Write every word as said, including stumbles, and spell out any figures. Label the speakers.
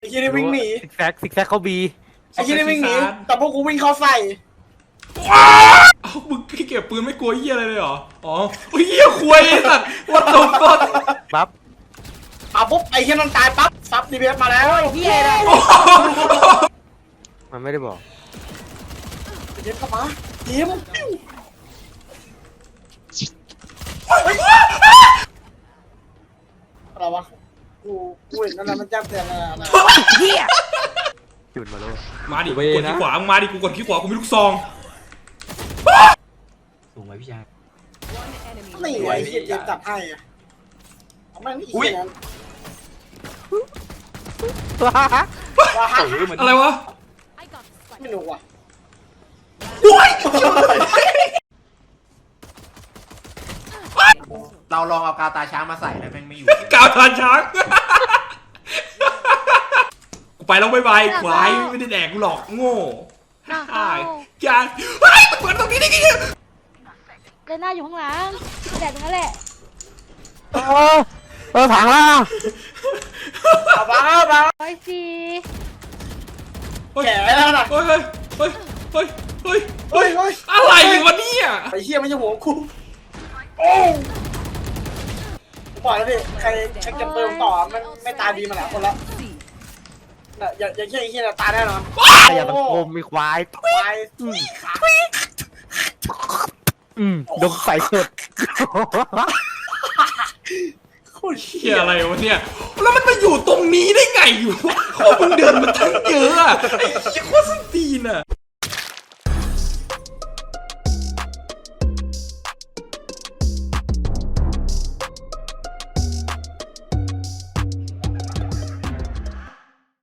Speaker 1: เฮียนี่วิ่งหนี
Speaker 2: ซิกแซกซิกแซกเขาบี
Speaker 1: ไอ้เฮียนี่วิ่งหนีแต่พวกกูวิ่งเข้าใส่
Speaker 3: เอ้ามึงเก็บปืนไม่กลัวเหี้ยอะไรเลยเหรออ๋อเหี้ยควยไอ้สัตว์วัดตบก่อน
Speaker 2: ปั๊บ
Speaker 1: อ่ะปุ๊บไอ้เฮียนั่นตายปั๊บซับดีเบสมาแล้วเฮียนะ
Speaker 2: มันไม่ได้บอก
Speaker 1: เย็บเข้ามาเย็บอะไรวะกูกูเห็นนั่นมันจับแต่ละเฮีย
Speaker 2: จุดมาแล้ว
Speaker 3: มาดิกดขี้ขวามึงมาดิกูกดขี้ขวากูมีลูกซอง
Speaker 4: สูงไหมพี่ชาย
Speaker 1: นี่ไอ้เฮียเย็บจับให้อะเอาแม่งอีกนั้นว้าฮะ
Speaker 3: อะไรวะ
Speaker 1: ไม่รู้ว่ะ
Speaker 4: เราลองเอากาวตาช้างมาใส่แล้วแม่งไม่อยู่
Speaker 3: กาวทานช้างกูไปแล้วบายบายควายไม่ได้แดกกูหรอกโง่ฮ่าอย่าเฮ้ยมันเปิดตรงนี้ได้ไง
Speaker 5: เดินหน้าอยู่ข้างหลังแดดตรงนั้นแหละ
Speaker 2: เออเออถังล่ะ
Speaker 1: เอาบ้าบ้า
Speaker 5: ร้อยสี่
Speaker 1: แก่แล้วนะ
Speaker 3: เฮ้ยเฮ้ยเฮ้ยเฮ้ยเฮ้ย
Speaker 1: เฮ้ยเฮ้ย
Speaker 3: อะไรวะเนี่ย
Speaker 1: ไอ้เฮียไม่ใช่หัวกูโอ้ปล่อยแล้วดิใครใครจะเติมต่อมันไม่ตายดีมาหลายคนแล้วอย่าอย่าเชื่อไอ้เฮียตายแน่นอน
Speaker 2: ขยันสังคมมีควาย
Speaker 1: ควาย
Speaker 2: อืมดมใส่สุด
Speaker 1: โคตร
Speaker 3: เฮียอะไรวะเนี่ยแล้วมันมาอยู่ตรงนี้ได้ไงอยู่วะมึงเดินมาทั้งเยอะอะไอ้เหี้ยโคตรส้นตีนอะ